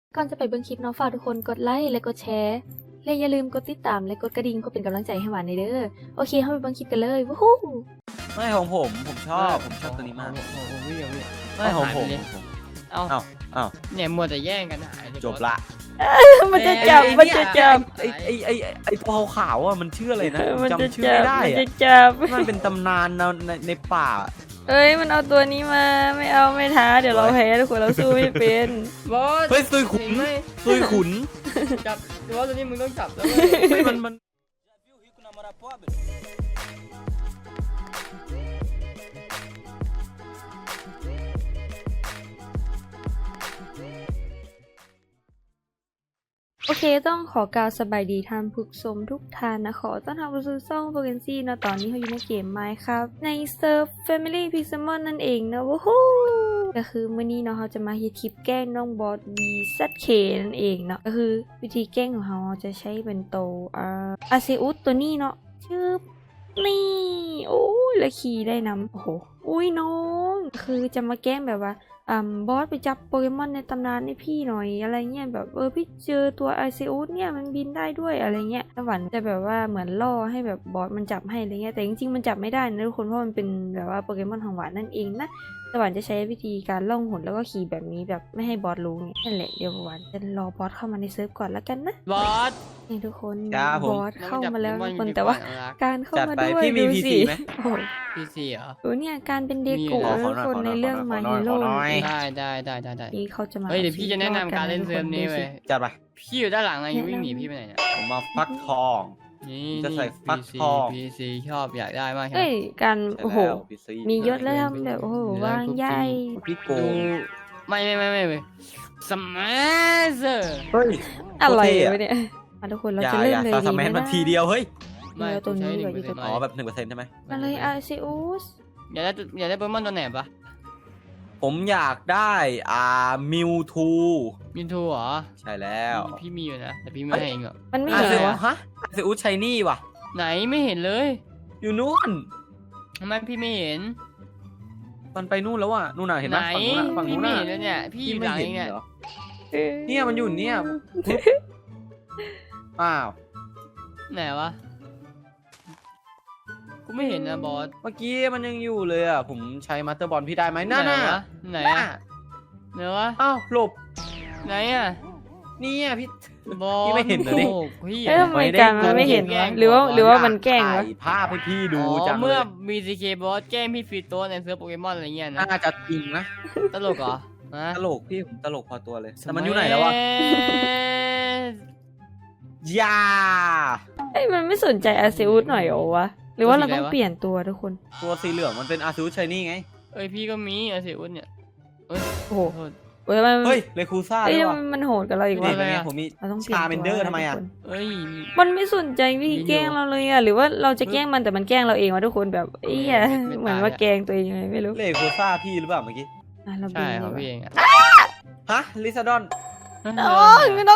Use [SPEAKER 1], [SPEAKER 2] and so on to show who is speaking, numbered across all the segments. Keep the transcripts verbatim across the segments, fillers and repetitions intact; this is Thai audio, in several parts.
[SPEAKER 1] ก่อนจะไปเบิ่งคลิปเนาะฝากทุกคนกดไลค์และกดแชร์และอย่าลืมกดติดตามและกดกระดิ่งเพื่อเป็นกำลังใจให้หวานในเด้อโอเคเข้าไปเบิ่งคลิปกันเลยวู้ฮู้
[SPEAKER 2] ไม่ของผมผมชอบผมชอบตัวนี้มาก
[SPEAKER 3] โอ้โหพี่เอาพี่
[SPEAKER 2] ไม่ของผม
[SPEAKER 3] เอา
[SPEAKER 2] เอ้าเอ้า
[SPEAKER 3] เนี่ยมัวแต่แย่งกันหาย
[SPEAKER 2] จบละ
[SPEAKER 1] มันจะจับมันจะจับ
[SPEAKER 2] ไอไอไอไอตัวขาวอ่ะมันชื่ออะไรนะ
[SPEAKER 1] มันจะ
[SPEAKER 2] จำชื่อ
[SPEAKER 1] จับ
[SPEAKER 2] ไม่ได้
[SPEAKER 1] มัน
[SPEAKER 2] อะ
[SPEAKER 1] จะจับ
[SPEAKER 2] มันเป็นตำนานในในในป่า
[SPEAKER 1] เอ้ยมันเอาตัวนี้มาไม่เอาไม่ท้าเดี๋ยวเราแพ้ทุกคนเราสู้ไม่เป็น
[SPEAKER 3] บอส
[SPEAKER 2] เฮ้ยซุยขุน
[SPEAKER 3] เห็ไหม
[SPEAKER 2] ซุยขุน
[SPEAKER 3] จับแต่ว่าตัวนี้มึงต้องจับแล้ว
[SPEAKER 2] เฮ้ยมันมัน
[SPEAKER 1] โอเคต้องขอกล่าวสบายดีท่านผู้ชมทุกท่านนะขอต้อนรับสู่ช่องโฟเกนซี่นะตอนนี้เขาอยู่ในเกมไมค์ครับในเซิร์ฟ Family Pixelmon นั่นเองนะวู้ฮู้ก็คือเมื่อนี้เนาะเขาจะมาเฮ็ดคลิปแกล้งน้องบอส วี แซด เค นั่นเองเนาะก็คือวิธีแกล้งของเขาจะใช้เป็นโตอ่าอาเซอุสตัวนี้เนาะชื่อนี่โอ้ยแล้วขี่ได้นำโอ้โหอุ้ยน้องคือจะมาแกล้งแบบว่าอ่าบอสไปจับโปเกมอนในตำนานให้พี่หน่อยอะไรเงี้ยแบบเออพี่เจอตัวไอซิอุสเนี่ยมันบินได้ด้วยอะไรเงี้ยหวานจะแบบว่าเหมือนล่อให้แบบบอสมันจับให้อะไรเงี้ยแต่จริงๆมันจับไม่ได้นะทุกคนเพราะมันเป็นแบบว่าโปเกมอนของหวานนั่นเองนะหวานจะใช้วิธีการล่องหนแล้วก็ขี่แบบนี้แบบไม่ให้บอสรู้ไงนั่นแหละเดี๋ยวหวานจะรอบอสเข้ามาในเซิร์ฟก่อนแล้วกันนะ
[SPEAKER 3] บอส
[SPEAKER 1] นี่ทุกคน
[SPEAKER 2] ครับผม
[SPEAKER 1] บอสเข้ามาแล้ว
[SPEAKER 3] น้
[SPEAKER 1] ทุ
[SPEAKER 3] อง
[SPEAKER 1] กคน
[SPEAKER 3] จับ
[SPEAKER 1] แต่ว่า
[SPEAKER 3] น้องอยู่
[SPEAKER 1] การเข้ามา
[SPEAKER 2] จัดไป
[SPEAKER 1] ด้วย
[SPEAKER 2] พี่มี
[SPEAKER 1] ดู
[SPEAKER 2] พี
[SPEAKER 1] สิ
[SPEAKER 2] ซีไหม
[SPEAKER 1] โอ้โห
[SPEAKER 3] พีซีเหรอ
[SPEAKER 1] ดูเนี่ยการเป็นเดโกะ
[SPEAKER 3] มี
[SPEAKER 1] ทุกคนในเรื่องมาฮีโร่
[SPEAKER 3] ได้ได้ได้ได้ได้
[SPEAKER 1] นี่เขาจะมา
[SPEAKER 3] เฮ้ยเดี๋ยวพี่จะแนะนำการเล่นเซิร์ฟนี้เว้ย
[SPEAKER 2] จัดไป
[SPEAKER 3] พี่อยู่ด้านหลังไงวิ่งหนีพี่ไปไหนเนี่ย
[SPEAKER 2] ผมมาฟักทอง
[SPEAKER 3] นี่
[SPEAKER 2] จะใส่
[SPEAKER 3] นี่
[SPEAKER 2] ฟักทอง
[SPEAKER 3] พีซีชอบอยากได้มากใช่ไหม
[SPEAKER 1] เอ้ยการโอ้โห
[SPEAKER 2] แล้ว พี ซี
[SPEAKER 1] มียศแล้วทำแบบโอ้โหวางใหญ่
[SPEAKER 2] พี่โก
[SPEAKER 3] ดู
[SPEAKER 2] ง
[SPEAKER 3] ไม่ไม่ไม่ไม่เว้ยสมาร์เซอร์
[SPEAKER 2] เฮ้ย
[SPEAKER 1] อะไร
[SPEAKER 2] โคตเท่
[SPEAKER 1] วะเนี่ยมาทุกคนเรา
[SPEAKER 2] อย่า
[SPEAKER 1] จะเริ่
[SPEAKER 2] อ
[SPEAKER 1] ม
[SPEAKER 2] ย่า
[SPEAKER 1] เลย
[SPEAKER 2] ซา
[SPEAKER 1] ดี
[SPEAKER 2] ส
[SPEAKER 1] ไห
[SPEAKER 2] แม
[SPEAKER 1] ม
[SPEAKER 2] นมา
[SPEAKER 1] นะ
[SPEAKER 2] ทีเดียวเฮ้ย
[SPEAKER 3] ไม่
[SPEAKER 1] เอาตัวนี้
[SPEAKER 3] ใช้
[SPEAKER 1] ดีกว่า
[SPEAKER 3] หนึ่งเปอร์เซ็นต์
[SPEAKER 2] อ๋อแบบหนึ่งเปอร์เซ็นต์ใช่ไหม
[SPEAKER 1] อะไรอาร์ซิอุส
[SPEAKER 3] อยากได้อยากได้โปเกมอนตัวไหนปะ
[SPEAKER 2] ผมอยากได้อ่ามิวทู
[SPEAKER 3] มินทูเหรอ
[SPEAKER 2] ใช่แล้ว
[SPEAKER 3] พี่มีอยู่นะแต่พี่ไม่ให้เองหรอก
[SPEAKER 1] มันไม่
[SPEAKER 2] อา
[SPEAKER 1] เห็น
[SPEAKER 2] เซ
[SPEAKER 1] เหรอวะ
[SPEAKER 2] ฮะอาเซอุสชัยนี่ว่ะ
[SPEAKER 3] ไหนไม่เห็นเลย
[SPEAKER 2] อยู่นู่น
[SPEAKER 3] ทำไมพี่ไม่เห็น
[SPEAKER 2] มันไปนู่นแล้วอ่ะนู่นน่ะเห็นไห
[SPEAKER 3] ไห
[SPEAKER 2] ม
[SPEAKER 3] น
[SPEAKER 2] ฝั่งนู้นน่ะฝั่ง
[SPEAKER 3] พี่
[SPEAKER 2] นู้น
[SPEAKER 3] ไม่
[SPEAKER 2] น่ะ
[SPEAKER 3] เห็นเลยเนี่ยพี่อยู่หลังเองเนี่ย
[SPEAKER 2] เหรอ
[SPEAKER 1] เอ้ย
[SPEAKER 2] เนี่ยมันอยู่เนี่ยอ้าว
[SPEAKER 3] ไหนวะกูไม่เห็นนะบอส
[SPEAKER 2] เมื่อกี้มันยังอยู่เลยอ่ะผมใช้มาสเตอร์บอลพี่ได้ไหมนั่น
[SPEAKER 3] ไหน
[SPEAKER 2] น่ะ
[SPEAKER 3] วะไหนอะไหนวะ
[SPEAKER 2] อ้าวหลบ
[SPEAKER 3] ไหนอะ
[SPEAKER 2] เนี่ยพี่
[SPEAKER 3] บอส
[SPEAKER 2] พี่ไม่เห็นเหรอนี่
[SPEAKER 3] โอ้พี่
[SPEAKER 1] เอ้ยทำไมการมันไม่เห็นวะหรือว่าหรือว่ามันแกล้งวะ
[SPEAKER 2] ถ่ายภาพให้พี่ดู
[SPEAKER 3] อ๋อ
[SPEAKER 2] จังเล
[SPEAKER 3] เมื่อย บีซีเคบอสแกล้งพี่ฟรีโต้ในเซิร์ฟโปเกมอนอะไรเงี้ยนะ
[SPEAKER 2] น่าจะจริงนะ
[SPEAKER 3] ตลกเหรอฮะ
[SPEAKER 2] ตลกพี่ผมตลกพอตัวเลยแต่มันอยู่ไหนแล้ววะยา
[SPEAKER 1] เอ้ยมันไม่สนใจอาร์ซิอุสหน่อยเหรอวะหรือว่าเราต้องเปลี่ยนตัวทุกคน
[SPEAKER 2] ตัวสีเหลืองมันเป็นอาซูชัยนี่ไง
[SPEAKER 3] เอ้ยพี่ก็มีอาเซียอุนเนี่ยเอ้ย
[SPEAKER 1] โอ้โห
[SPEAKER 3] โทษ
[SPEAKER 1] เฮ้ยมัน
[SPEAKER 2] เฮ้ยเลคูซ่า
[SPEAKER 1] เอ้ย
[SPEAKER 2] ด้วยว่ะ
[SPEAKER 1] มันโหดกับเราอีก
[SPEAKER 2] นี่
[SPEAKER 1] วะ
[SPEAKER 2] เป็นไง
[SPEAKER 3] อะ
[SPEAKER 2] ผมมี
[SPEAKER 1] เราต้องเปลี่ยน
[SPEAKER 2] ชา
[SPEAKER 1] ตัว
[SPEAKER 2] เมนเดอร์ทำไมอ่ะ
[SPEAKER 1] ทุกคน
[SPEAKER 3] เอ้ย
[SPEAKER 1] มันไม่สนใจวิธีแกล้งเราเลยอะหรือว่าเราจะแกล้งมันแต่มันแกล้งเราเองวะทุกคนแบบเอี้ยเหมือนว่าแกล้งตัวเองยังไงไม่รู้
[SPEAKER 2] เลคูซ่าพี่หรือเปล่าเมื่อกี้
[SPEAKER 1] อ่ะเราบิ
[SPEAKER 3] ใช่
[SPEAKER 1] น
[SPEAKER 3] ของ
[SPEAKER 1] ดี
[SPEAKER 3] พี่
[SPEAKER 1] กว่า
[SPEAKER 3] เองอะ
[SPEAKER 2] ฮะลิซาดอน
[SPEAKER 1] น้องน้อง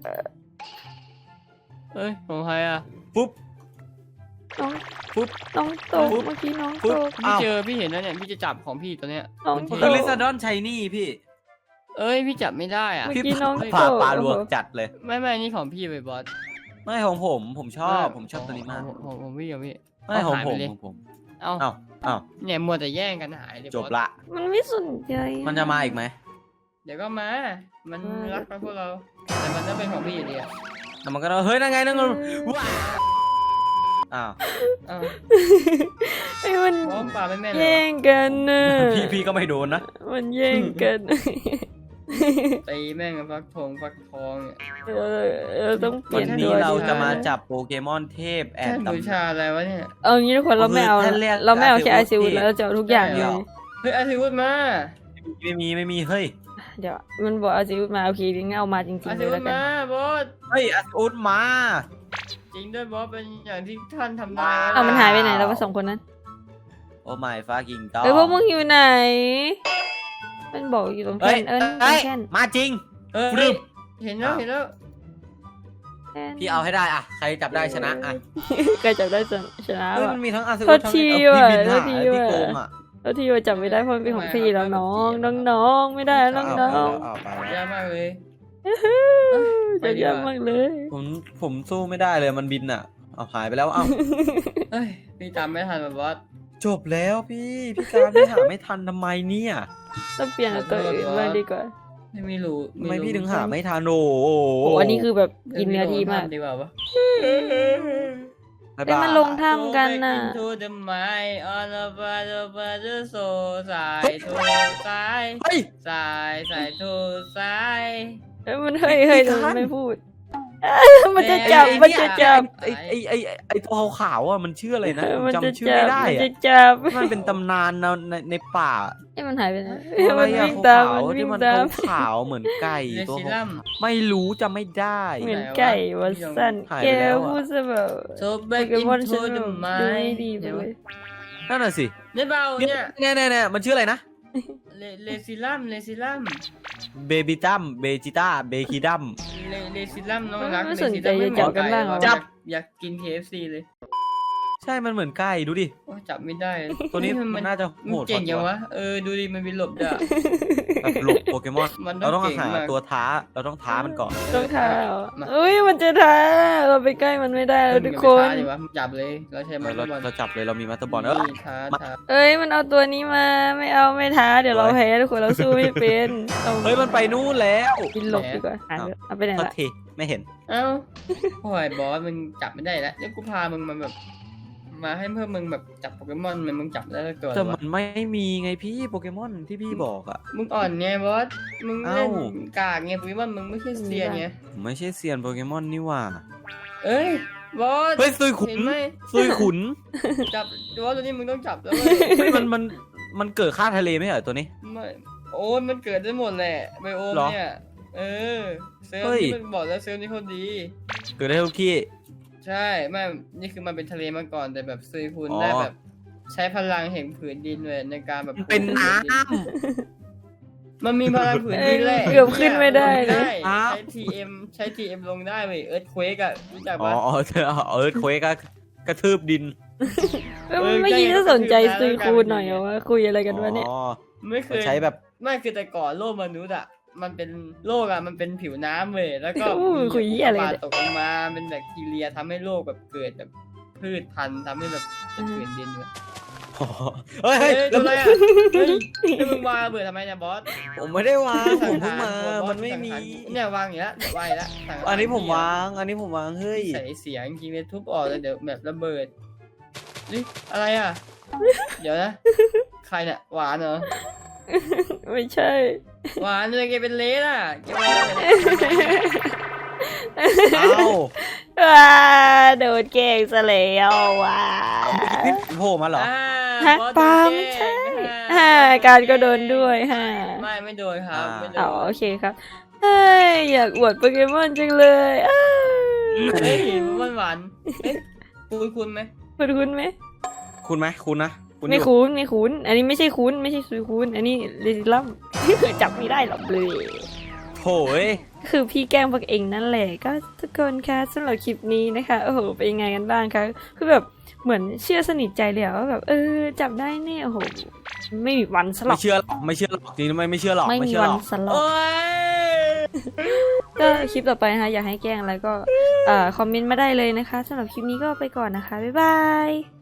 [SPEAKER 3] เอ้ยของใครอะ
[SPEAKER 2] ปุ๊บ
[SPEAKER 1] น้อง
[SPEAKER 2] ปุ๊บ
[SPEAKER 1] น้องตก
[SPEAKER 2] ปุ๊บ
[SPEAKER 1] เมื่อกี้น้อง
[SPEAKER 2] ปุ๊
[SPEAKER 1] ต
[SPEAKER 2] บ
[SPEAKER 1] ก
[SPEAKER 3] พี่เจอพี่เห็นแล้วเนี่ยพี่จะจับของพี่ตัวเนี้ย
[SPEAKER 1] น้อง
[SPEAKER 3] มัน
[SPEAKER 1] ต
[SPEAKER 3] เท่
[SPEAKER 2] คือก ลิซาดอนชัยนี่พี่
[SPEAKER 3] เอ้ยพี่จับไม่ได้อ่ะ
[SPEAKER 1] เมื่อ
[SPEAKER 2] พี่
[SPEAKER 1] กี้น้อง
[SPEAKER 2] ผ่า
[SPEAKER 1] ตก
[SPEAKER 2] ปลาลวกจัดเลย
[SPEAKER 3] ไม่ไม่นี่ของพี่ไปบอส
[SPEAKER 2] ไม่ของผมผมชอบผมชอบตัวนี้มาก
[SPEAKER 3] ของของของพี่กับพี่
[SPEAKER 2] ไม่ของ
[SPEAKER 3] หาย
[SPEAKER 2] ผ
[SPEAKER 3] ไป
[SPEAKER 2] ม
[SPEAKER 3] เลย
[SPEAKER 2] ของผม
[SPEAKER 3] เอ้า
[SPEAKER 2] เอ้าเอ้า
[SPEAKER 3] เนี่ยมัวแต่แย่งกันหายเลย
[SPEAKER 2] จบบ
[SPEAKER 3] อส
[SPEAKER 2] ละ
[SPEAKER 1] มันไม่สนใจ
[SPEAKER 2] มันจะมาอีกไหม
[SPEAKER 3] เดี๋ยวก็มา มันรักกับพวกเรา แต่มันต้องเป็นของพี่อยู่ดีอะ
[SPEAKER 2] แล้วมันก็เฮ้ยนั่นไงนั่นไงว้าอ้าว
[SPEAKER 3] เอ้า
[SPEAKER 1] ไอ้มัน
[SPEAKER 3] บอสป่าไม่แม่นเลย
[SPEAKER 1] แย่งกันนะ
[SPEAKER 2] พี่พี่ก็ไม่โดนนะ
[SPEAKER 1] มันแย่งกัน
[SPEAKER 3] ตีแม่งกับฟักทองฟักทองเนี่ย
[SPEAKER 1] เออเออต้องเป
[SPEAKER 2] วั
[SPEAKER 1] ลี่ย
[SPEAKER 2] น
[SPEAKER 1] น
[SPEAKER 2] นี้
[SPEAKER 1] ตัว
[SPEAKER 2] เราจะมา
[SPEAKER 1] ดีกว่
[SPEAKER 2] จับโปเกมอนเทพแอ
[SPEAKER 3] แท่
[SPEAKER 2] ด
[SPEAKER 3] น
[SPEAKER 2] ตำ
[SPEAKER 3] บูชาอะไรวะเนี่ย
[SPEAKER 1] เอางี้ทุกคนเราไม่เอา
[SPEAKER 2] ท่านเรียก
[SPEAKER 1] เราไม่เอาแค่ไอ
[SPEAKER 2] อาร์ซิ
[SPEAKER 1] ซิ
[SPEAKER 2] อุ
[SPEAKER 1] อุ
[SPEAKER 2] ส
[SPEAKER 1] แล้วเราจะเอาทุกอย่างเลย
[SPEAKER 3] เฮ้ยอาทิวุฒมา
[SPEAKER 2] ไม่มีไม่มีเฮ้ย
[SPEAKER 1] เดี๋ยวมันบอกอาซิอุมาโอเคงั้นเอามาจริง
[SPEAKER 3] อา
[SPEAKER 1] ๆเล
[SPEAKER 3] ทิ
[SPEAKER 1] ย
[SPEAKER 3] วุ
[SPEAKER 1] แล้
[SPEAKER 3] ฒ
[SPEAKER 1] วกัน
[SPEAKER 3] มาบอส
[SPEAKER 2] เฮ้ยอาร์อุสมา
[SPEAKER 3] จริงด้วยบอสเป็นอย่างที่ท่านทำได้
[SPEAKER 1] เอามันหายไปไหนแล้ววะสองคนนั้น
[SPEAKER 2] โอ้ไม่ฟ้ากิงต้อ
[SPEAKER 1] เอ้ยพวกมึงอยู่ไหน มันบอกอยู่ตรงแท่
[SPEAKER 2] เฮ้ย
[SPEAKER 1] นเอิญตร
[SPEAKER 2] เฮ้
[SPEAKER 1] ง
[SPEAKER 2] ย
[SPEAKER 1] แท่น
[SPEAKER 2] มาจริง
[SPEAKER 3] เออ
[SPEAKER 2] ฟรึบ
[SPEAKER 3] เห็นแล้วเห็นแล้ว
[SPEAKER 1] แท่น
[SPEAKER 2] พี่เอาให้ได้อ่ะใครจับได้ชนะอ่ะ
[SPEAKER 1] ใครจับได้ชนะ
[SPEAKER 2] เฮ้ย
[SPEAKER 1] ว่ะ
[SPEAKER 2] มันมีทั้งอาร์ซิ
[SPEAKER 1] โท
[SPEAKER 2] อุส
[SPEAKER 1] ษ
[SPEAKER 2] ทั้ง
[SPEAKER 1] ที
[SPEAKER 2] เออ
[SPEAKER 1] ว่ะ
[SPEAKER 2] พี่บิน
[SPEAKER 1] โท
[SPEAKER 2] หา
[SPEAKER 1] ษที
[SPEAKER 2] พี่
[SPEAKER 1] ว่ะ
[SPEAKER 2] โกงอ่ะ
[SPEAKER 1] แล้วที่ว่าจับไม่ได้เพราะมันเป็นของพี่แล้วน้องน้องน้องไม่ได้น้องน้อง
[SPEAKER 2] เอาไป
[SPEAKER 3] ยากมากเลยไป
[SPEAKER 1] จะ
[SPEAKER 3] ดีก
[SPEAKER 1] ยาก
[SPEAKER 3] ว่าม
[SPEAKER 1] ากเลย
[SPEAKER 2] ผมผมสู้ไม่ได้เลยมันบินอ่ะเอาหายไปแล้วเอ้า
[SPEAKER 3] เฮ้ยพี่ตามไม่ทันแบบว่า
[SPEAKER 2] จบแล้วพี่พี่การไม่หาไม่ทันทำไมเนี่ย
[SPEAKER 1] ต้องเปลี่ยนตัวอื่นบ้างดีกว่า
[SPEAKER 3] ไม่ไม่รู้
[SPEAKER 2] ทำไม
[SPEAKER 3] รู้
[SPEAKER 2] พี่ถึงหาไม่ทันโอ้โห
[SPEAKER 1] โอ้อันนี้คือแบบกินเนื้อทีมาก
[SPEAKER 3] ดีกว่าปะ
[SPEAKER 2] บ๊าย
[SPEAKER 1] เอ้ย
[SPEAKER 2] บาย
[SPEAKER 1] มันลงถ้ำกันน่ะ
[SPEAKER 3] Go back into the mind on the battle battle so สายทูสาย
[SPEAKER 2] เฮ้ย
[SPEAKER 3] สายสายทูสาย
[SPEAKER 1] เอ้ยมันเฮ้ยเฮ้ย
[SPEAKER 2] พี่
[SPEAKER 1] ทำไม
[SPEAKER 2] ทัน
[SPEAKER 1] ไม่พูด มันจะจับ มันจะจับ
[SPEAKER 2] ไอไอไอไอตัวขาวๆอ่ะมันชื่ออะไรนะผม
[SPEAKER 1] มันจะ
[SPEAKER 2] จำชื่อ
[SPEAKER 1] จั
[SPEAKER 2] ไม่
[SPEAKER 1] บ
[SPEAKER 2] ได้
[SPEAKER 1] มัน
[SPEAKER 2] อะ
[SPEAKER 1] จะจับ
[SPEAKER 2] มันเป็นตำนานในในในป่า
[SPEAKER 1] เอ้ยมันหายไปไหน
[SPEAKER 2] ตัวอะไร
[SPEAKER 1] มัน
[SPEAKER 2] อะ
[SPEAKER 1] วิ่งตาม
[SPEAKER 2] ขาว
[SPEAKER 1] มัน
[SPEAKER 2] ๆ
[SPEAKER 1] วิ่
[SPEAKER 2] ที่
[SPEAKER 1] ง
[SPEAKER 2] มัน
[SPEAKER 1] ตาม
[SPEAKER 2] ขาวๆเหมือนไก่
[SPEAKER 3] เล
[SPEAKER 2] ตัว
[SPEAKER 3] ซิ
[SPEAKER 2] ขาว
[SPEAKER 3] ลัม
[SPEAKER 2] ไม่รู้จะไม่ได้
[SPEAKER 1] เหมือนไก่วัดสัน
[SPEAKER 2] หาย
[SPEAKER 1] แก
[SPEAKER 2] ไปแล้วอะ
[SPEAKER 1] พูดซะแบบ
[SPEAKER 3] โซแบ
[SPEAKER 1] โป
[SPEAKER 3] ก
[SPEAKER 1] เก
[SPEAKER 3] อิน
[SPEAKER 1] มอน
[SPEAKER 3] ทู
[SPEAKER 1] ฉัน
[SPEAKER 3] เด
[SPEAKER 1] แบบ
[SPEAKER 3] อะ
[SPEAKER 1] ดู
[SPEAKER 3] ไม
[SPEAKER 1] ไม่ดีไปเลย
[SPEAKER 2] นั่นน่ะสิ
[SPEAKER 3] เนี่ยเบา
[SPEAKER 2] เนี่
[SPEAKER 3] เนี่ย ย
[SPEAKER 2] เนี่ยเนี่ยมันชื่ออะไรนะ
[SPEAKER 3] เลเลซิลัมเลซิลัม
[SPEAKER 2] เบบิตัมเบจิต้าเบคิดัม
[SPEAKER 3] เลเลซิลัมน้องรัก
[SPEAKER 1] ไม่
[SPEAKER 3] เล
[SPEAKER 1] สน
[SPEAKER 3] ซิ
[SPEAKER 1] ใจ
[SPEAKER 3] ลัม
[SPEAKER 1] จะจับกันบ้างเหรอ
[SPEAKER 3] จับอยากกิน เค เอฟ ซี เลย
[SPEAKER 2] ใช่มันเหมือนไก่ดูดิ
[SPEAKER 3] โอ้จับไม่ได้
[SPEAKER 2] ตัวนี้
[SPEAKER 3] เฮ้ย
[SPEAKER 2] มันน่าจะ
[SPEAKER 3] มัน
[SPEAKER 2] โหด
[SPEAKER 3] เก่ง
[SPEAKER 2] กว่า
[SPEAKER 3] ยังวะเออดูดิมันมีหลบด้วย
[SPEAKER 2] แบบหลบโปเกมอน
[SPEAKER 3] มันต้
[SPEAKER 2] เรา
[SPEAKER 3] อง
[SPEAKER 2] ต้อง
[SPEAKER 3] เก่ง
[SPEAKER 2] หาม
[SPEAKER 3] าก
[SPEAKER 2] ตัวท้าเราต้องท้ามันก่อน
[SPEAKER 1] ต้องท้าเหรอ
[SPEAKER 3] มา
[SPEAKER 1] เอ้ยมันจะท้าเราไปใกล้มันไม่ได้แล้วทุกคน
[SPEAKER 3] มัอย่าไปท้าดิวะจับเลยเราใช้มัน
[SPEAKER 2] เรา
[SPEAKER 3] บอล
[SPEAKER 2] เราจับเลยเรามีมาสเตอร์บอลเออ
[SPEAKER 3] นี่ท้าท้า
[SPEAKER 1] เอ้ยมันเอาตัวนี้มาไม่เอาไม่ท้าเดี๋ยวเราแพ้ทุกคนเราสู้ไม่เป็นอา
[SPEAKER 2] เฮ้ยมันไปนู่นแล้ว
[SPEAKER 1] บินหลบดีกว่าอ่ะเอาไปไหน
[SPEAKER 2] โทษ
[SPEAKER 1] ละ
[SPEAKER 2] ทีไม่เห็น
[SPEAKER 3] เอ้าโอ้ยบอสมึงจับไม่ได้แล้วเดี๋ยวกูพามึงมาแบบ มาให้เพื่อมึงแบบจับโปเกมอนมันมึงจับได้แล้วตัว
[SPEAKER 2] แต่
[SPEAKER 3] วะ
[SPEAKER 2] มันไม่มีไงพี่โปเกมอนที่พี่บอกอ่ะ
[SPEAKER 3] มึงอ่อนไงบอสมึงเล่น
[SPEAKER 2] เอ้า
[SPEAKER 3] กากไงโปเกมอนมึงไม่ใช่เซียนไง
[SPEAKER 2] ผมไม่ใช่เซียนโปเกมอนนี่หว่า
[SPEAKER 3] เอ้ยบอส
[SPEAKER 2] เฮ้ยซุยขุน
[SPEAKER 3] เห็นไหม
[SPEAKER 2] ซุยขุน
[SPEAKER 3] จับบอสตัวนี้มึงต้องจับแล้วเว้
[SPEAKER 2] เฮ้ย
[SPEAKER 3] ย
[SPEAKER 2] มันมันมันเกิดค่าทะเลไม่ใช่เหรอตัวนี้
[SPEAKER 3] ไม่โอ้ยมันเกิดได้หมดแหละไบโอม
[SPEAKER 2] เหรอ
[SPEAKER 3] เนี่ยเออเซลล์
[SPEAKER 2] เฮ้ย
[SPEAKER 3] นี่มันบอกแล้วเซลล์นี่เขาดี
[SPEAKER 2] เกิดได้ทุกที่
[SPEAKER 3] ใช่ไม่นี่คือมันเป็นทะเลมาก่อนแต่แบบซุยคุณ
[SPEAKER 2] อ๋อ
[SPEAKER 3] ได้แบบ ใช้พลังแห่งผืนดินเลยในการแบบ
[SPEAKER 2] เป็นน้
[SPEAKER 3] มันมีพลังผืนดินแหละ
[SPEAKER 1] เกือบขึ้นไม่ได้เลย
[SPEAKER 3] ได้ใช้ ที เอ็ม ใช้ ที เอ็ม ลงได้เว้ยเอิร์ธเควกอะรู้จัก
[SPEAKER 2] ำอ๋อ
[SPEAKER 3] ปะ
[SPEAKER 2] อ๋อเธอเออเควกก็กระทืบดิน
[SPEAKER 1] เอ้ยไม่คิดจะสนใจซุยคูณหน่อยเหรอว่าคุยอะไรกันวะเนี่ย
[SPEAKER 2] อ๋อ
[SPEAKER 3] ไม่เคย
[SPEAKER 2] ใช้แบบ
[SPEAKER 3] ไม่คือแต่ก่อนโลกมนุษย์อะมันเป็นโลกอะมันเป็นผิวน้ำเว้ยแล้วก็
[SPEAKER 1] อู้คุยเหี้ยอะไร
[SPEAKER 3] ป
[SPEAKER 1] เนี่ย
[SPEAKER 3] ตกลงมาเป็นแบคทีเรียทำให้โลกแบบเกิดแบบพืชพันธุ์ทำให้แบบเป็นผืนดินเว้ย
[SPEAKER 2] อ๋อเฮ้ย
[SPEAKER 3] เฮ้
[SPEAKER 2] เฮ้
[SPEAKER 3] ย
[SPEAKER 2] ย
[SPEAKER 3] ตัว
[SPEAKER 2] แล้ว
[SPEAKER 3] อะไรอะเฮ้ยให้มึงวางระเบิดทำไมเนี่ยบอส
[SPEAKER 2] ผมไม่ได้วางผม
[SPEAKER 3] สั
[SPEAKER 2] เพิ่ง
[SPEAKER 3] งห
[SPEAKER 2] มา
[SPEAKER 3] รบอส
[SPEAKER 2] มันไม่มี
[SPEAKER 3] สังหารเนี่ยวางอย่างนี้แล้วเดี๋ยววางอีกแล้วสังหาร
[SPEAKER 2] อันนี้ผมวาง อันนี้ผมวาง เฮ้ย
[SPEAKER 3] ใส่เสียงจริงๆเลยทุบออกเลยเดี๋ยวแบบระเบิดนี่อะไรอ่ะ เดี๋ยวนะ ใครเนี่ยหวานเหรอ
[SPEAKER 1] ไม่ใช่
[SPEAKER 3] หวานเลยแกเป็นเลสอ่ะแกวางเลย
[SPEAKER 2] เอ้า
[SPEAKER 1] ว้าโดนแกล้งซะแล้วว้า
[SPEAKER 2] นี่โผล่มาเหรอ
[SPEAKER 3] อ่า
[SPEAKER 1] ฮะ
[SPEAKER 3] บอส
[SPEAKER 1] ปา
[SPEAKER 3] โดน
[SPEAKER 1] ไม่
[SPEAKER 3] แก
[SPEAKER 1] ใช่
[SPEAKER 3] ล้ง
[SPEAKER 1] ฮ่าการก็โดนด้วยฮ่า
[SPEAKER 3] ไม่ไม่โดนครับไม่โด
[SPEAKER 1] อ๋อน โอเคครับเฮ้ยอยากอวดโปเกมอนจังเลยอ้าว
[SPEAKER 3] เฮ้ยมันหวานเอ๊ะคุณคุณไหม
[SPEAKER 1] คุณคุ้นไหม
[SPEAKER 2] คุณไหมคุณนะคุณ
[SPEAKER 1] ไม่
[SPEAKER 2] อยู่
[SPEAKER 1] คุ้นไม่คุ้นอันนี้ไม่ใช่คุ้นไม่ใช่ซุยคุ้นอันนี้เรซิลัม จับไม่ได้หรอกเลย
[SPEAKER 2] โถย
[SPEAKER 1] คือพี่แกล้งพวกเองนั่นแหละก็ทุกคนคะสำหรับคลิปนี้นะคะโอ้โหเป็นยังไงกันบ้างคะคือแบบเหมือนเชื่อสนิทใจเลยอะว่าแบบเออจับได้แน่โอ้โหไม่มีวันสลั
[SPEAKER 2] ไม่
[SPEAKER 1] บ
[SPEAKER 2] เชื่อหรอกไม่เชื่อหรอกจริงๆไม่ไม่เชื่อหรอก
[SPEAKER 1] ไม่
[SPEAKER 2] ไม่
[SPEAKER 1] มี
[SPEAKER 2] เชื่อ
[SPEAKER 1] วั
[SPEAKER 2] ห
[SPEAKER 1] น
[SPEAKER 2] รอก
[SPEAKER 1] สลับ
[SPEAKER 3] โอ้ย
[SPEAKER 1] ก็คลิปต่อไปนะคะอยากให้แกล้งอะไรก็เอ่อคอมเมนต์มาได้เลยนะคะสำหรับคลิปนี้ก็ไปก่อนนะคะบ๊ายบาย